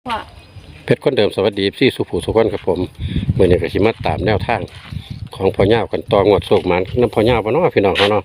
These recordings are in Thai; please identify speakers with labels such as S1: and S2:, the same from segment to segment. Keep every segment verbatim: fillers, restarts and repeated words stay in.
S1: ว่า
S2: เพชรคนเดิมสวัสดีพี่สุภูสุขคนครับผมเมื่อนี้ก็สิมาตามแนวทางของพ่อเน่ากันต่องวดโศกมันน้ำพ่อเน่าบ่เนาะพี่น้องเขาเนาะ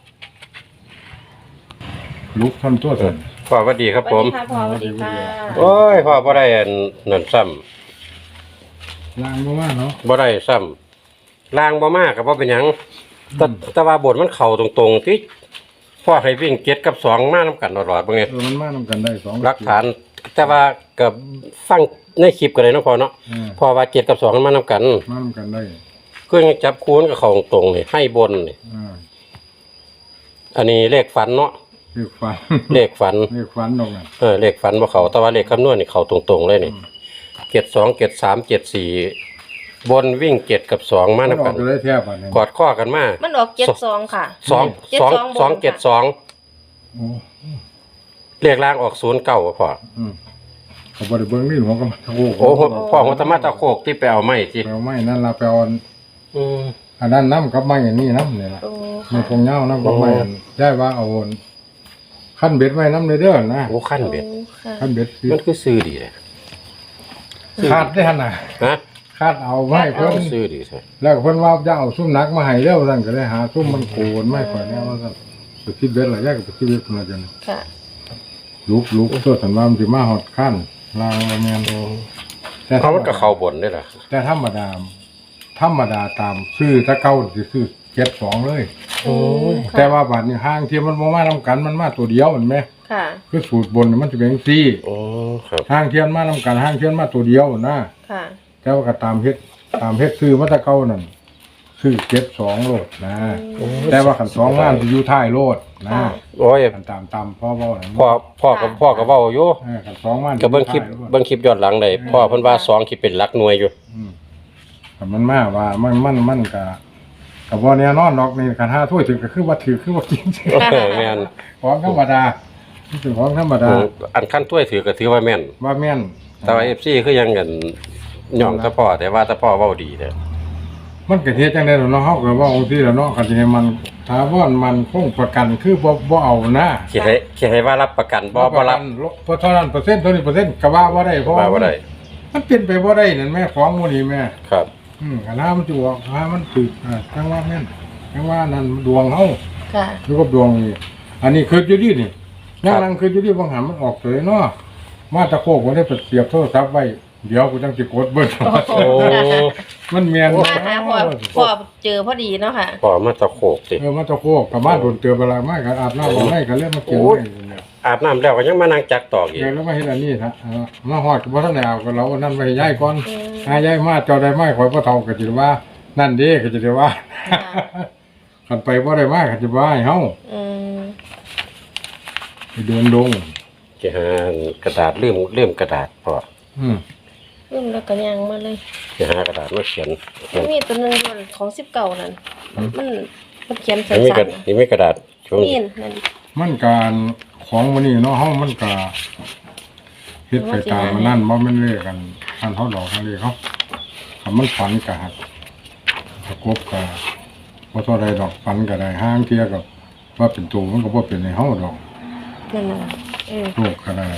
S3: ลุกทำตัวสัน
S2: พ่อสวัสดีครับ
S1: ส
S2: ผ
S1: วัส
S2: ม
S1: ดีค่ะพ่อสวัสดีค่ะ
S2: โอ้ยพ่อบ่ได้อันนั่นซ้ำ
S3: ล้างมาว่าเนาะ
S2: บ่ได้ซ้ำล่างบ่มากก็บ่เป็นหยังแต่แต่ว่าบทมันเข้าตรงๆที่พ่อให้วิ่งเจ็ดกับสองมานํกันตลอดบ่ไง
S3: เออมันมาทำกันได้สอง
S2: หลักฐานแต่ว่าก็ฟังในคลิปก็ได้เนาะพ่อเนาะ
S3: เออ
S2: พ่อว่าเจ็ดกับสองมันมานํกัน
S3: มาทำกันได้
S2: เครื่องจับคูณกับเข้าตรงๆนี่ให้บนนี่
S3: อ่า
S2: อันนี้เลขฝันเนาะ
S3: เรียกฟัน
S2: เลขฝัน
S3: เรียกฟันตรงนั้น
S2: เออเลขฝันบ่เขาแต่ว่าเลขคำนวณนี่เขาตรงๆเลยนี่เจ็ดสองเจ็ดสามเจ็ดสี่บนวิ่งเจ็ดกับสองมา
S3: มัน
S2: นับ
S3: ออ
S2: กั
S3: ก
S2: น
S3: จะได้แทบอ่ะเนี่ย
S2: กอดข้อกันมา
S1: มันออกเจ็ดสองค่ะ
S2: สอง
S1: เจ็ด
S2: สอง
S1: สองบน
S2: สองเจ็ดสอง
S3: โอ้
S2: เลขล่างออกศูนย์เก้าพอ
S3: อืมเขาบริเบิ้งนี่หัวกันโอ้โห
S2: โอ้โหพ่อหัวธรรมะตะโคกที่ไปเอาไม้ที่
S3: แปลไม่นั่นละแปลอัน
S2: อืม
S3: อันนั้นน้ำกับไม้อย่างนี้น้ำเนี่ยละ
S1: โอ้
S3: มันคงเงาน้ำกับไม้
S2: โอ้
S3: อันได้ว่าเอาอันขั้นเบ็ดไว้น้ำเลยเด้อนะ
S2: โอ้ขั้นเบ็ด
S1: ค่ะ
S3: ขั้นเบ็ดสิ
S2: มันคือซื้อดีเลย
S3: คาดได้ขนาด
S2: ฮะ
S3: คาดเอาไม้เพิ่น
S2: ซื้อดีใช่
S3: แล้วก็เพิ่นว่าจะเอาซุ่มนักมาให้เร็วสั่นก็เลยหาซุ่มมันโกนไม่ค่อยแน่ว่าสั่นไปคิดเบ็ดหลายอย่างก็ไปคิดเบ็ดคนละจัง
S1: ค่ะ
S3: ลุกลุกตัวสันว่ามันสิมาฮอดขั้นลางว่าแม่นแต่
S2: เขามันก็เข้าบนได้ล่ะ
S3: แต่ธรรมดาธรรมดาตามซื้อถ้าเก่าสิซื้อเจ็ดสองเลย
S1: โอ้ค่ะ
S3: แต่ว่าบัดนี้ห้างที่มันบ่มานํกันมันมาตัวเดียวเห็นไหม
S1: ค่ะ
S3: คือสูตรบนน่ะมันจะเป็นจังซี่
S2: โอ้ครับ
S3: ห้างเทียนมานํกันห้างเทียนมาตัวเดียวนะ
S1: ค่ะ
S3: แต่ว่าก็ตามเฮ็ดตามเฮ็ดซื้อมาแตะเก่านั่นซื้อเจ็ดสองโลดนะ แต่ว่าขันสองล้านจะอยู่ท้ายโลดนะ
S1: ค่ะ
S2: โอ้ย
S3: ขันตามตามพ่อเว้านั่น
S2: พ่อพ่อกับพ่อก็เว้าอยู่
S3: เออขันสองล้าน
S2: ก็เบิ่งคลิปเบิ่งคลิปย้อนหลังได้พ่อเพิ่นว่าสองคิดเป็นหลักหน่วยอยู่
S3: อืมแต่มันมาว่ามันมันมันก็ก็บ่แน่นอนดอกนี่คันห้าถ้วยถึงก็คือว่าถือคือว่ากิน
S2: เออแม่น
S3: ของธรรมดานี่เป็นของธรรมดา
S2: อันขั้นถ้วยถือก็ถือว่าแม่น
S3: ว่าแม่น
S2: แต่ว่า เอฟ ซี คือยังเงินย่องแต่พ่อแต่ว่าแต่พ่อเว้าดีเด้อ
S3: มันก็เฮ็ดจังได๋ล่ะเนาะเฮาก็เว่าจังซี่ล่ะเนาะคันสิให้มันถาวรมันคงประกันคือบ่บ่เอานะ
S2: คิดให้คิดให้ว่ารับประกันบ่บ่รับ
S3: เพราะเท่านั้นเปอร์เซ็นต์เท่านี้เปอร์เซ็นต์ก็ว่าบ่ได้เพราะ
S2: ว่าบ่ได้
S3: มันเป็นไปบ่ได้นั่นแม่ของหมู่นี้แม่
S2: ครับ
S3: อืมคันหามันสิออกหามันถูกอ่าจังว่าแม่นจังว่านั่นดวงเฮา
S1: ค่ะ
S3: อยู่กับดวงนี่อันนี้คืออยู่ดีนี่ยังนั่งคืออยู่ดีบางหันมันออกเลยเนาะมาตะโคกบ่ได้ไปเสียบโทรศัพท์ไว้เดี๋ยวกูจังสิกดเบิ่ง
S2: โอ้
S3: มันแม่น
S1: มาหาพ่อพ่อเจอพอดีเนาะค่ะ
S2: พ่อมาตะโขกสิ
S3: เออมาตะโคกกับมาโดนเตือนเวลามากก็อาบน้ำบ่ได้ก็เลยมากิน
S2: โอ้ย
S3: ไว้เนี่ย
S2: อาบน้ำแล้วก็ยังมานั่งจักตอกอีก
S3: เดี๋ยวแล้วมาเฮ็ดอันนี้ฮะเออมาฮอดก็บ่ทันได้เอาก็เราเอานั่นไว้ให้ยายก่อน
S1: อืม
S3: หายายมาเจ้าได้มาข่อยบ่เฒ่าก็สิได้ว่า นั่นเด้ก็สิได้ว่า
S1: ค่ะ
S3: คันไปบ่ได้มาก็สิว่าให้เฮา
S1: อืม
S3: ไปเดินดง
S2: สิหากระดาษลืมลืมกระดาษพ่อ
S3: อืม
S1: รุ่นแล้วก็ยังมาเลย
S2: สิหากระดาษมาเขียนเขียน
S1: มีตัวหนึงด้วยของสิบเก้านั่นมันมันเขียนสั
S2: นี่มีกระ
S1: ้น
S2: นี่มีกระดาษช่วง
S1: ๆนี่นั่น
S3: มันการของมื้อนี้เนาะเฮามันก็เฮ็ดไปตามมันนั่นบ่แม่นเลขกันอันเฮาดอกอันนี้เขาถ้ามันฝันก็หักประกบก็บ่เท่าใดดอกฝันก็ได้ห้างเที่ยก็ว่าเป็นตัวมันก็บ่เป็นให้เฮาดอก
S1: นั่นน่ะเออ
S3: โลกก็ได้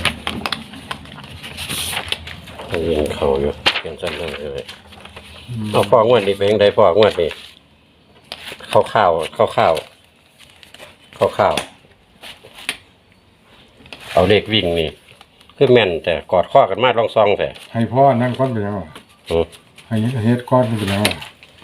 S2: ยิงเข้าอยู่เขียนสั้นๆเลยเอาพ่องวดนี้เป็นจังไดพ่องวดนี้ข้าวข้าวข้าวข้าวข้าวข้าวเอาเลขวิ่งนี่คือแม่นแต่กอดข้อกันมาลองซองแต่
S3: ให้พ่อนั่งก่อนเป็นหยังวะ
S2: อืม
S3: ให้เฮ็ดก่อนเป็นหยังวะ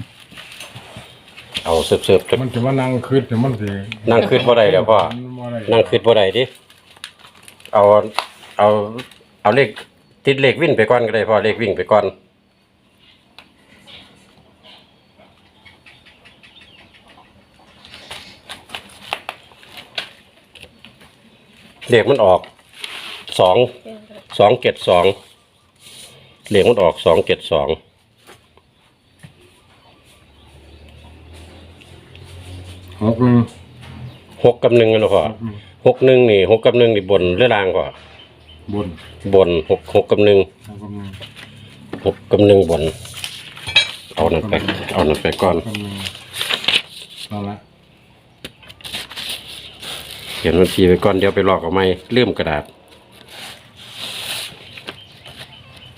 S2: เอาเสิร์ฟๆจน
S3: มันจะมานั่งคิดเดี๋ยวมันสิ
S2: นั่งคืดบ่ได้แล้วพ่อ
S3: บ่ได้
S2: นั่งคืดบ่ได้ดิเอาเอาเอาเลขติดเลขวิ่งไปก่อนก็ได้พ่อเลขวิ่งไปก่อนเลขมันออกสองสองเจ็ดสองเลขมันออกสองเจ็ดสอง
S3: หกหนึง
S2: หกกับหนึ่งนะพ่อหกหนึ่งนี่หกกับหนึ่งนี่บนหรือล่างพ่อบ
S3: น
S2: บนหกหกกับหนึ่ง
S3: หกกับหนึ่ง
S2: หกกับหนึ่งบน เอานั่นไปเอานั่นไปก่อน
S3: หกกับหนึ่งนั่นละ
S2: เขียนบัญชีไปก่อนเดี๋ยวไปลอกเอาไหมลืมกระดาษ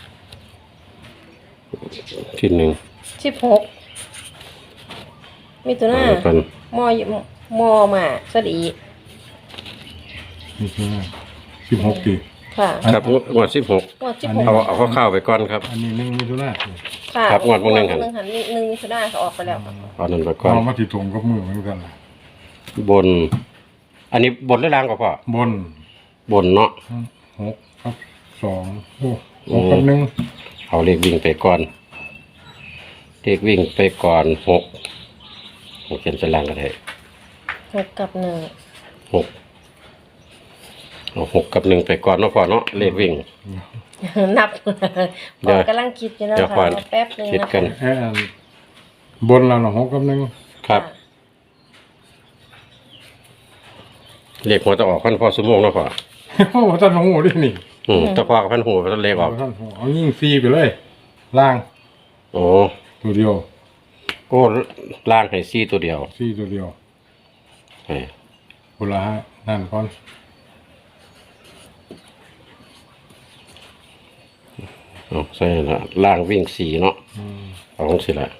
S2: ที่หนึ่ง
S1: สิบหกมีตัวหน้า
S2: กัน
S1: มอยมอมาสดี
S3: นี่คือสิบหกปี
S1: ค่ะ
S2: ครับงวดสิบหก
S1: งวดสิบ
S3: อัน
S1: ห
S3: นี้
S1: ก
S2: เอาเอาข้าวๆไปก่อนครับ
S3: อันนี้หนึ่งมิถุนา
S1: ค่ะ
S2: ครับงวดมื้อหนึ่งหัน
S1: งวดมื้อหนึ่งหันหนึ่งมิถุนาเขาออกไปแล้ว
S2: เอานั้นไปก่อน
S3: เอามาที่ตรงกับมือเหมือนกันล่ะ
S2: บน อันนี้บนหรือล่างก็พอบ
S3: น
S2: บนเนาะ
S3: หกครับสองโอ้หกกับหนึ่ง
S2: เอาเลขวิ่งไปก่อนเลขวิ่งไปก่อนหกหกเขียนสล่างก็ได้
S1: หกกับหนึ่ง
S2: หกเอาหกกับหนึ่งไปก่อนเนาะพอเนาะเลขวิ่ง
S1: นับ
S2: เดี๋
S1: พ
S2: ยว
S1: อกำลังคิดอยู่นะ
S2: เดี๋ยว
S1: คะ
S2: ก่อน
S1: แป๊บหนึง
S2: คิด
S1: นะ
S2: กั
S1: คะ
S2: น
S3: แอนบนเราเนาะหกกับหนึ่ง
S2: ครับ เลขหัวจะออกพันพอสมงเนาะพอ
S3: โอ้ท่านหูดินี่
S2: อืมแต่พอกับพันหัวพันเลขออก
S3: ท่านหูเอายิ่งซีไปเลย ล่าง
S2: โอ้
S3: ตัวเดียว
S2: โอ้ล่างให้ซี่ตัวเดียว
S3: ซีตัวเดียว
S2: เฮ้ย
S3: กุละฮะนั่นก่อน
S2: เอาใช่ละล่างวิ่งสี่เนาะ
S3: อืม
S2: เอาของสิละ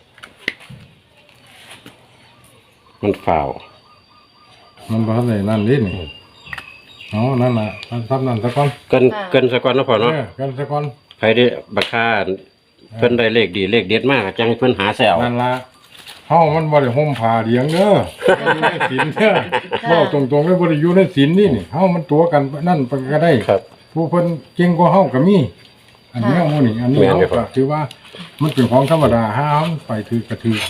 S2: มันฝ่าว
S3: มันบ้านไหนนั่นนี่นี่อ๋อนั่นน่ะมันทับนั่นซะก่อน
S2: เกินเกินสักก่อนเนาะพอเนาะ
S3: เออกันซะก่อน
S2: ใครได้บักค่าเพิ่นได้เลขดีเลขเด็ดมากจังให้เพิ่นหาแซว
S3: นั่นละเฮามันบ่ได้ห่มผ้าเลี้ยงเด้ออยู่ในศีลเด้อเว้าตรงๆเลยบ่ได้อยู่ในศีลนี่นี่เฮามันตัวกันนั่นมันก็ได้
S2: ครับ
S3: ผู้เพิ่นเก่งกว่าเฮาก็มี อันนี้หมู่นี่อันนี้
S2: แม่น
S3: เฮา
S2: อยู่ครั
S3: ก็
S2: บ
S3: ถือว่ามันเป็นของธรรมดาห้ามไปถือกระถือ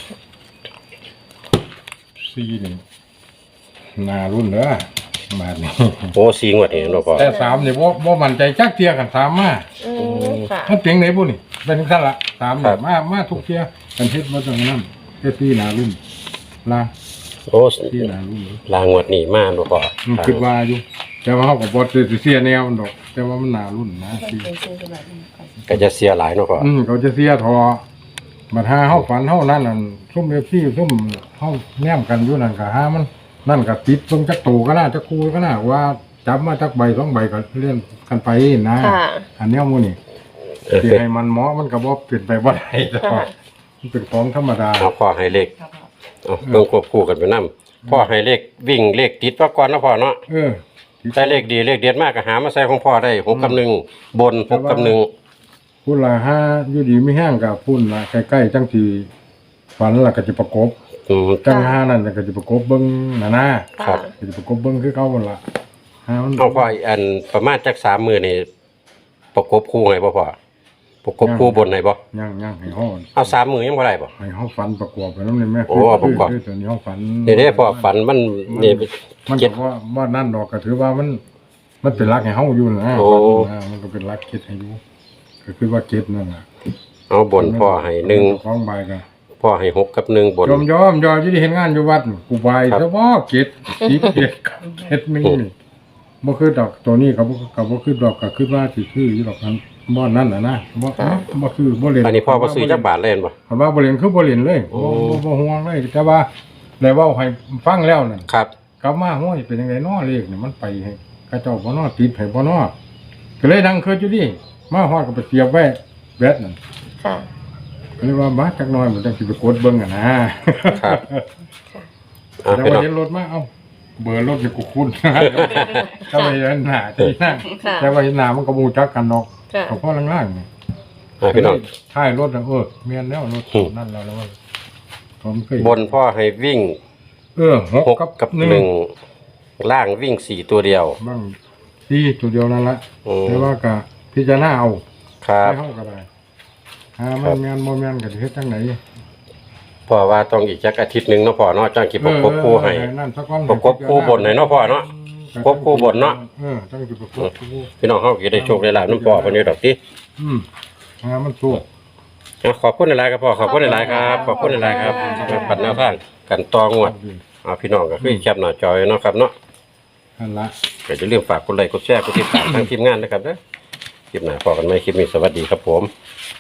S3: ซีนี่นารุ่นเด้อมานี่
S2: โอ้สีงวดนี่เนาะพอ
S3: แต่สามนี่บ่บ่มั่นใจจักเที่ยกันสามมา
S1: อืมค่ะ
S3: มันเพียงไหนบุนี่เป็นขั้นละสามเนี่ยมามาทุกเที่ยกันเฮ็ดมาจังนั้นเฮ็ดที่นารุ่นลา
S2: โอ้
S3: ที่นารุ่น
S2: ลางวดนี่มาเนาะพอ
S3: มันคิดว่าอยู่แต่ว่าเฮาก็บ่ได้เสียแนวมันดอก แต่ว่ามันนารุ่นนะที่
S2: ก็จะเสียหลายเนาะพอ
S3: อืมเขาจะเสียทอบัดหาเฮาฝันเฮานั่นนั่นซุ่มเอฟซีซุ่มเฮาแนมกันอยู่นั่นก็หามันนั่นก็ติดเบิ่งจักตูก็น่าจักคูก็น่าว่าจับมาจักใบสองใบก็เลื่อนกันไปนะ
S1: ค่ะ
S3: อันแนวหมู่นี่
S2: เออ
S3: สิให้มันเหมาะมันก็บ่เป็นไปบ่ได้ดอกมันเป็นของธรรมดา
S2: เอาพ่อให้เลขเอาเพิ่งควบคู่กันไปนํพ่อให้เลขวิ่งเลขติดมาก่อนเนาะพ่อเนาะ
S3: เออ
S2: ได้เลขดีเลขเด็ดมากก็หามาใส่ของพ่อได้หกกับหนึ่งบนหกกับหนึ่ง
S3: พุ่นละห้าอยู่ดีไม่แห้งกับพุ่นละใกล้ๆจังสีฝันละก็จะประกบ
S2: อืม
S3: จังห้านั่นก็จะประกบเบิ้งหน้าหน้า
S2: ครับ
S3: ก็จะประกบเบิ้งคือเก่าพุ่นละห้ามัน
S2: เอาพ่ออีกอันประมาณจักสามมือนี่ประกบคู่ให้บ่พ่อประกบคู่บนให้บ่
S3: ย่างย่างให้ห้อง
S2: เอาสามมือยังบ่ได้บ่
S3: ให้ห้องฝันประกอบไปน้ำเลยแม่
S2: โอ้ประกอบ
S3: คือตัวนี้ห้องฝัน
S2: นี่เด้พ่อฝันมันนี่
S3: มัน
S2: เจ็ด
S3: บอกว่าว่านั่นดอกก็ถือว่ามันมันเป็นรักให้เฮาอยู่นะ
S2: โอ้
S3: อ่ามันก็เป็นรักเก็ดให้อยู่ก็คือว่าเก็ดนั่นน่ะ
S2: เอาบนพ่อให้หนึ่ง
S3: ของใบก็
S2: พ่อให้หกกับหนึ่งบน
S3: ยอมยอมยอมที่ได้เห็นงานอยู่วัดกูไป
S2: ครับ
S3: เฉพาะเกตสีเกตเกตนึงนี่บ่คือดอกตัวนี้ก็บ่ก็บ่คือดอกก็คือว่าสิคืออยู่ดอกนั้นบ่นั่นน่ะนะบ่บ่คือบ่เล่น
S2: อันนี้พ่อบ่ซื้อจักบาทเล่นบ่
S3: คำว่าบ่เล่นคือบ่เล่นเลย
S2: โอ้
S3: บ่บ่บ่ห่วงเลยแต่ว่าได้เว้าให้ฟังแล้วนั่น
S2: ครับ
S3: กลับมาห้วยเป็นจังไดน้อเลขนี่มันไปให้กระเจ้าบ่น้อติดให้บ่น้อก็เลยดังคืออยู่ดิมาฮอดก็ไปเสียบไว้แบตนั่น
S1: ค่ะ
S3: ก็เลยว่าบาดจักหน่อยมันจังสิไปกดเบิ่งอ่ะนะครับ
S2: เอา
S3: แต่
S2: พี่
S3: ว่า
S2: น้อง
S3: เห็นรถมาเอ้าเบอร์รถอยู่กูคุ้น ถ้าไปเห็นหน้าที่นั่ง
S1: ค่ะ
S3: แต่ว่าเห็นหน้ามันก็บูจักกันเนาะ
S1: ค่ะ
S3: เขาพ่อล่างๆนี่
S2: เอาพี่น้อง
S3: ท้ายรถน่ะเออแม่นแล้วรถ
S2: อืม
S3: นั่นแล้วแล้วว่าผมเคย
S2: บนพ่อให้วิ่ง
S3: เออหก
S2: หก
S3: กับ
S2: กับ
S3: หนึ่
S2: หนึ่
S3: ง
S2: งล่างวิ่งสี่ตัวเดียว
S3: บ้างสี่ตัวเดียวนั่นละ
S2: อืม
S3: แต่ว่าก็พิจารณาเอา
S2: ครับ
S3: ไม่เฮาก็ได้หามันแม่นบ่แม่นก็สิเฮ็ดจังได๋
S2: พ่อว่าต้องอีกจักอาทิตย์หนึงเนาะพ่อเนาะจังสิประกบคู่ให้
S3: เออนั่นซะก่อน
S2: ประกบคู่บนให้เนาะพ่อเนาะ ประกบคู่บนเนาะ
S3: เออจังสิประกบคู่
S2: พี่น้องเฮาก็ได้โชคได้ลาภนํพ่อเพิ่นอยู่ดอกติ
S3: อืมหามันสู้
S2: เอาขอบคุณหลายๆครับพ่อขอบคุณหลายๆครับขอบคุณหลายๆครับมาปัดแนวทางกันต่องวดเอาพี่น้องก็คือแคปหน้าจอไว้เนาะครับเนาะ
S3: นั่นละ
S2: ก็อย่าลืมฝากกดไลค์กดแชร์กดติดตามทางทีมงานนะครับเด้อคลิปหน้าพอกันไหมคลิปนี้สวัสดีครับผม